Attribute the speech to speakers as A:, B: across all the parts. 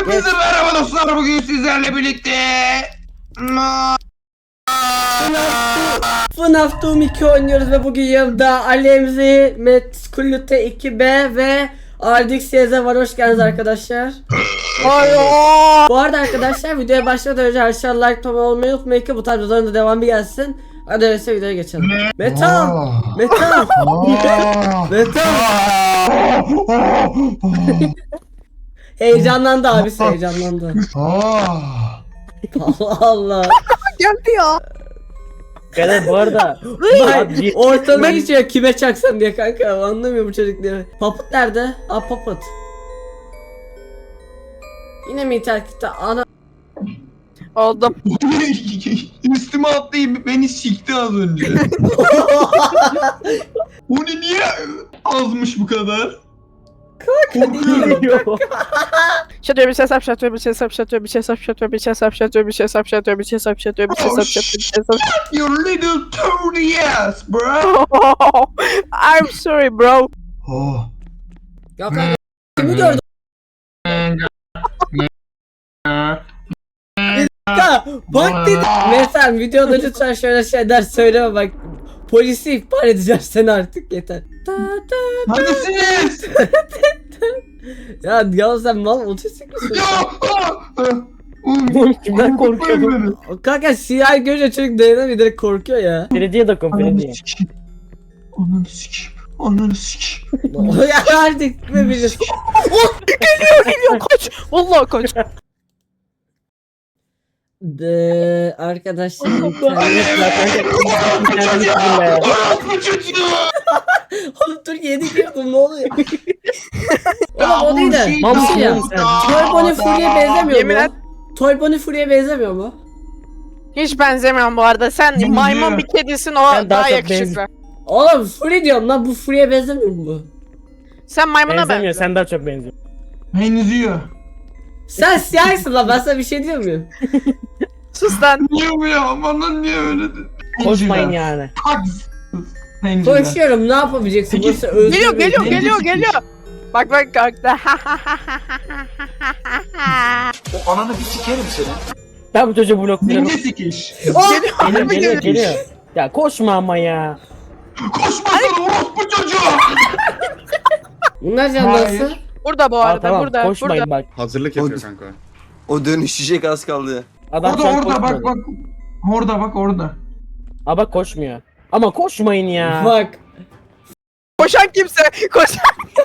A: Herkese merhaba dostlar, bugün sizlerle birlikte
B: FNAF Doom 2 oynuyoruz ve bugün yanımda Alemzi, Metkulute 2B ve RDX var. Hoş geldiniz arkadaşlar. Bu arada arkadaşlar videoya başlamadan önce aşağı like tonu olmayı unutmayın ki bu tarz videoların da devamı gelsin. Hadi öyleyse videoya geçelim. Metal! Metal! Metal! Heyecanlandı abisi, heyecanlandı. Allah Allah.
C: Geldi ya.
D: Beyler bu arada
B: Bak ortalığı geçiyor kime çaksan diye kanka, anlamıyor bu çocuk diye. Papıt nerede? Aa Papıt. Yine mi internette ana?
C: Oldum.
A: üstüme atlayıp beni sikti az önce. Onu niye azmış bu kadar?
D: geliyor.
C: Şatıyor bir şey sap, şatıyor bir şey sap, şatıyor bir şey sap, şatıyor bir şey sap, şatıyor bir şey sap, şatıyor bir şey sap, şatıyor bir şey sap, şatıyor bir şey sap.
A: You little Tony ass bro.
C: I'm sorry bro.
A: Oh.
B: Ya kanka kimi gördün? Kanka bak dedi. Mesela videoda lütfen şöyle şeyler söyleme bak. Polisi ihbar edeceğim seni artık, yeter.
A: Hadi siz.
B: Ya sen mal otistik misin?
D: Kimden korkuyorsun?
B: Kanka siyah görünce çocuk dayanamıyor, direkt korkuyor ya.
D: Belediye dokun belediye.
A: Ananı sikeyim. Ananı sikeyim.
B: Ya artık ne bilirsin.
C: Geliyor kaç. Vallahi kaç.
B: Arkadaşlar
A: Orospu çocuğu.
B: oğlum dur yeni girdim, ne oluyor? Oğlum o değil de
D: Mamsi
B: ya.
D: oğlum sen.
B: Toy Bonnie Fury'e benzemiyor
C: Yemin et.
B: mu? Toy Bonnie Fury'e benzemiyor mu?
C: Hiç benzemiyorum bu arada. Sen
A: Benziyor.
C: maymun bir kedisin, o
D: Sen daha
C: daha
D: çok
C: yakışıklı.
B: Oğlum Fury diyorum lan, bu Fury'e benzemiyor mu bu?
C: Sen maymuna
D: Benzemiyor,
C: benziyorsun.
D: sen daha çok benziyorsun.
A: Benziyor.
B: Sen siyahsın lan, ben sana bir şey diyor muyum?
C: Sus lan.
A: Niye bu ya? Bana niye öyle dedin?
D: Koşmayın yani.
B: Koşuyorum, ne yapabileceksin?
A: Peki,
B: Burası özgür
C: Geliyor
B: bir-
C: geliyor
A: Bence
C: geliyor
A: sikiş.
C: geliyor. Bak bak kalktı.
E: O ananı bir sikerim seni.
D: Ben bu çocuğu blokluyorum.
A: Dinle sikiş.
D: Geliyor geliyor geliyor. Ya koşma ama ya.
A: Koşmasana orospu çocuğu.
B: Bunlar canlısı.
A: Hayır.
C: Burada bu
D: Aa,
C: arada,
D: tamam
C: burada.
D: koşmayın
C: Burada.
D: bak.
F: Hazırlık yapıyor kanka.
E: O dönüşecek az kaldı.
D: Adam
A: Orada
D: şu an
A: orada bak
D: koşmuyor.
A: bak. Orada bak orada.
D: Aa bak koşmuyor. Ama koşmayın ya.
B: Bak.
C: Koşan kimse. Koşan.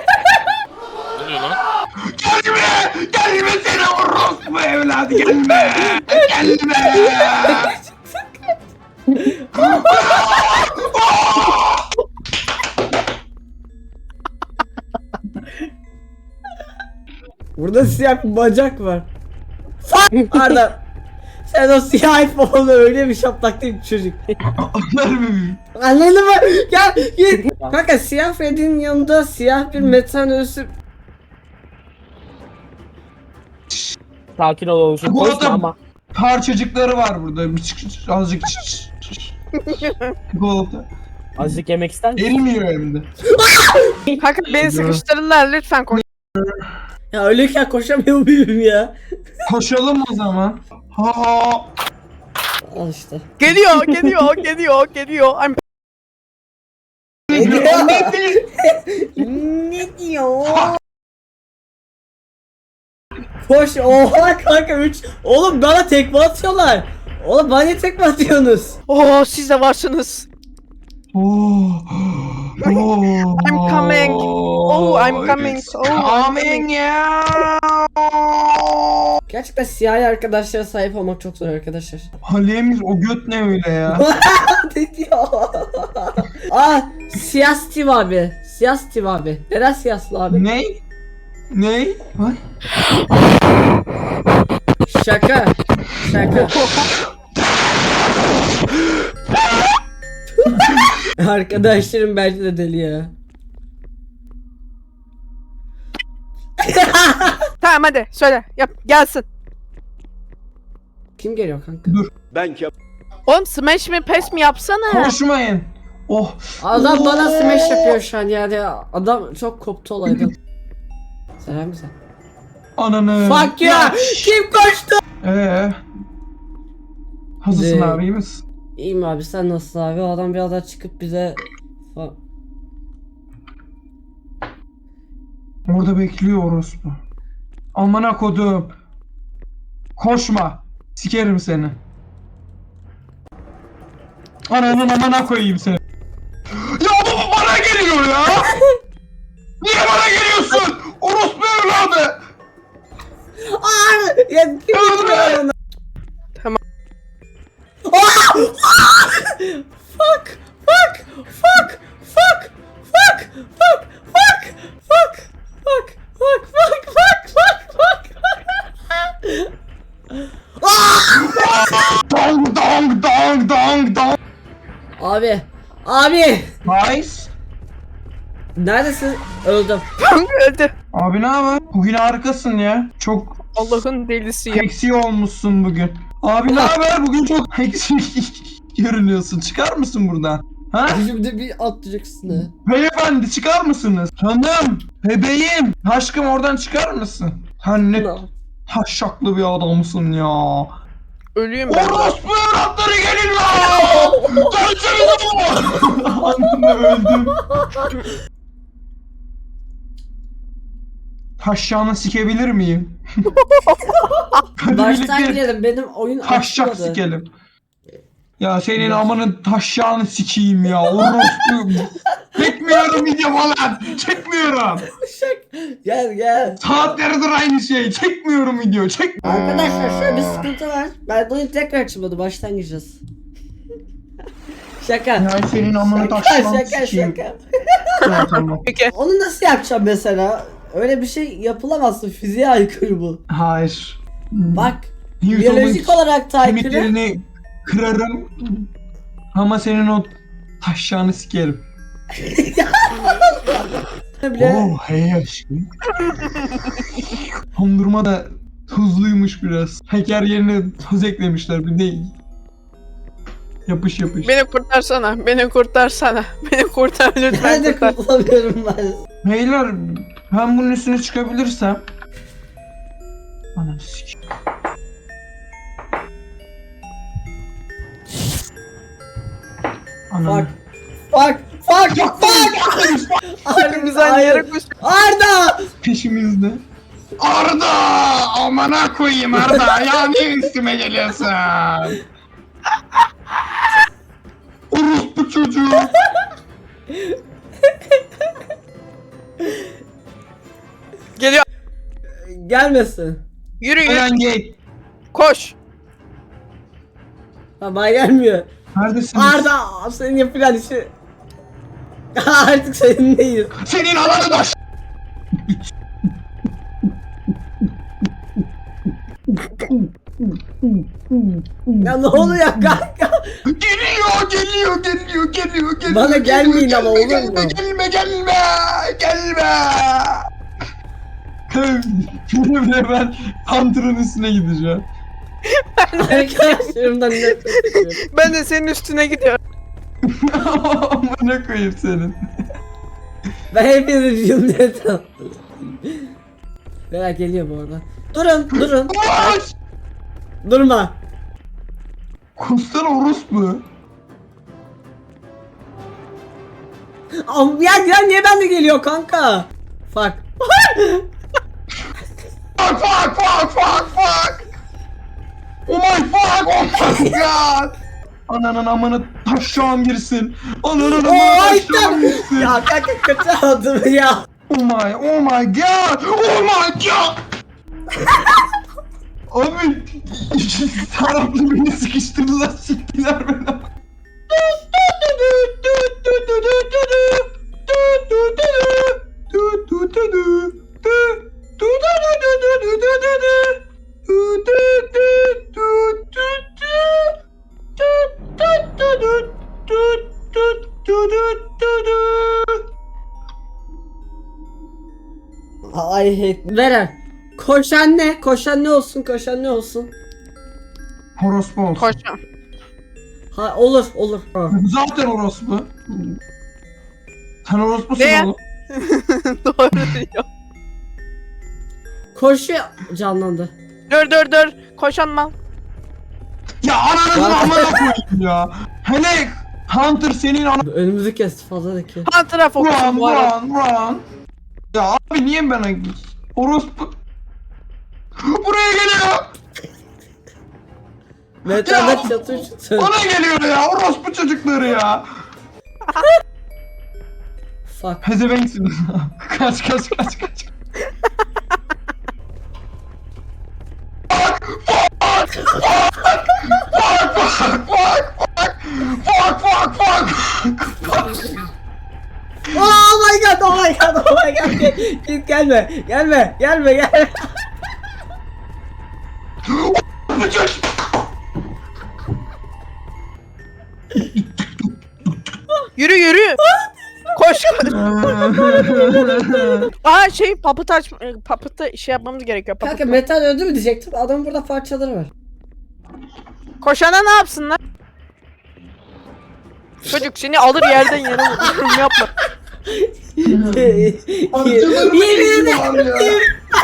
A: Gelme! Gelme seni orospu evladı gelme! Gelme!
B: Burada siyah bir bacak var. Fuck Arda. Sen o siyah iPhone'u öyle bir şaplak değil çocuk.
A: Anlar mı?
B: Anladın mı? Gel git. Kanka siyah Freddy'nin yanında siyah bir metal ölüsü.
D: Sakin ol oluşum.
A: Bu
D: Koşma
A: adam-
D: ama.
A: Parçacıkları var burada. Bir azıcık çikolata.
D: Azıcık yemek ister misin?
A: Erimiyor hem de.
C: Kanka beni sıkıştırırlar, lütfen koş.
B: Ya öyleyken koşamıyor muyum ya?
A: Koşalım o zaman. Ha.
B: Al işte.
C: Geliyor geliyor geliyor geliyor. I'm
B: Ne diyor? Koş, oha kanka 3. Oğlum bana tekme atıyorlar. Oğlum bana niye tekme atıyorsunuz?
C: Oo, siz de varsınız.
A: Oh.
C: I'm coming. Oh, I'm coming. Oh,
A: Coming ya.
B: Gerçekten siyahi arkadaşlara sahip olmak çok zor arkadaşlar.
A: Halemiz o göt ne öyle ya?
B: Ne diyor? Aa siyah Steve abi. Siyah Steve abi. Neden siyahlı abi?
A: Ne? Ne? Ay.
B: Şaka. Şaka. Arkadaşlarım bence de deli ya.
C: tamam hadi söyle. Yap gelsin.
B: Kim geliyor kanka?
E: Ben ki
C: Oğlum smash mi pes mi yapsana.
A: Koşmayın. Oh.
B: Adam bana smash yapıyor şu an yani. Adam çok koptu olaydan. Selam güzel.
A: Ananı.
B: Fuck ya. Kim koştu?
A: Hazırsın
B: Ne?
A: abi, iyi misin?
B: İyiyim abi, sen nasılsın abi? O adam birazdan çıkıp bize...
A: Orada bekliyor orospu. Amına kodum. Koşma. Sikerim seni. Ananın amına koyayım seni. Ya bu bana geliyor ya. Niye bana geliyorsun? Orospu evladı.
B: Ya kim koşuyor ona?
C: Tamam.
B: Fuck! Fuck! Fuck! Fuck! Fuck! Fuck! Fuck! Fuck! Fuck! Fuck! Fuck! Fuck! Fuck! Fuck!
A: Dong dong dong dong dong.
B: Abi! Abi!
A: Nice.
B: Neredesin? Öldüm.
C: Öldü.
A: Abi ne haber? Bugün harikasın ya. Çok
C: Allah'ın delisi ya.
A: seksi olmuşsun bugün. Abi ne haber? Bugün çok seksi görünüyorsun. Çıkar mısın buradan? Ha?
B: Şimdi bir atlayacaksın ha.
A: Beyefendi çıkar mısınız? Hanım, bebeğim, aşkım oradan çıkar mısın? Sen ne taşşaklı bir adamsın ya.
C: Ölüyüm ben.
A: Orospu evlatları gelin lan! Dönsenize bu! Anında öldüm. Taşşağını sikebilir miyim? Hadi
B: Baştan
A: birlikte
B: girelim, benim oyun
A: taşşak
B: açmadı.
A: sikelim. Ya senin amanın taşşağını sikeyim ya. Orospu. Çekmiyorum video falan. Çekmiyorum.
B: Gel gel.
A: Saatlerdir aynı şey. Çekmiyorum video. Çek.
B: Arkadaşlar şöyle bir sıkıntı var. Ben oyun tekrar açmadı, baştan gireceğiz. Şaka.
A: Ya senin amanın
B: Şaka
A: taşşağını
B: şaka
A: sikeyim.
B: şaka.
A: Ya tamam.
C: Peki.
B: Onu nasıl yapacağım mesela? Öyle bir şey yapılamazsın, fiziğe aykırı bu.
A: Hayır.
B: Bak,
A: Newton'un
B: biyolojik olarak da aykırı.
A: kemiklerini kırarım. Ama senin o taşşağını sikerim.
B: Bile
A: Oh hey aşkım. Dondurma da tuzluymuş biraz. Şeker yerine tuz eklemişler bir de. Yapış yapış.
C: Beni kurtarsana. Beni kurtarsana. Beni kurtar lütfen
B: ben de
C: kurtar.
B: kurtulamıyorum ben.
A: Beyler ben bunun üstüne çıkabilirsem. Ananı sikeyim. Ananı.
B: Fuck. Fuck. Fuck.
C: Hepimiz aynı yere koş.
B: Arda!
A: Peşimizde. Arda! Amına koyayım Arda! Ya niye üstüme geliyorsun? Orospu çocuğu!
C: Geliyor.
B: Gelmesin.
C: Yürü yürü.
A: Uyan gel.
C: Koş.
B: Ha, bana gelmiyor.
A: Neredesiniz?
B: Arda, senin yapacağın işi... Artık seninleyiz.
A: Senin ananı da
B: Ya ne oluyor kanka?
A: Geliyor.
B: Bana gelmeyin ama olur mu?
A: Gelme. Şimdi ben Hunter'ın üstüne gideceğim.
B: Arkadaşlarımdan nefret ediyorum.
C: Ben de senin üstüne gidiyorum.
A: Amına koyayım senin.
B: Ben hepinizi cümleten. Beyler geliyor bu arada. Durun.
A: Koş!
B: Durma.
A: Kustan orospu.
B: Ya niye bende geliyor kanka? Fuck.
A: Fuck. Oh my god. Ananın amına taşşağım girsin. Ananın amına
B: Ay
A: taşşağım girsin.
B: ya kanka kötü aldım ya.
A: Oh my god. Abi taraflı beni sıkıştırdılar, siktiler beni.
B: I hate. Veren. Koşan ne olsun.
A: Orospu olsun.
C: Koşacağım.
B: Ha olur. Ha.
A: Zaten orospu. Sen orospusun
C: Ne?
A: oğlum.
C: Doğru diyor.
B: Koşuyor. Canlandı.
C: Dur. Koşan mal.
A: Ya ananızın amına koyayım ya. Hele Hunter senin ana...
B: Önümüzü kesti fazla da ki.
C: Hunter'a fokusun
A: Run
C: bu arada.
A: run. Ya abi niye bana... Orospu... Buraya geliyor.
B: Metal'da çatır çatır.
A: Bana geliyor ya orospu çocukları ya.
B: Fuck.
A: Pezevenksiniz. kaç.
B: Oh my god. Git gelme.
A: Bu çocuk.
C: Yürü. Koş. Aa şey papıtı şey yapmamız gerekiyor.
B: Kanka
C: Papıtı.
B: Metal öldü mü diyecektim. Adamın burada parçaları var.
C: Koşana ne yapsınlar? Çocuk seni alır yerden yere vurur. Yapma.
B: Yemin ederim.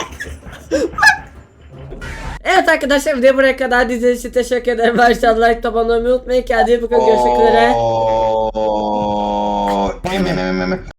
B: Evet arkadaşlar video buraya kadar izlediğiniz için teşekkür ederim. Baştan like tabanı unutmayın. Kendinize bakın. Görüşmek üzere.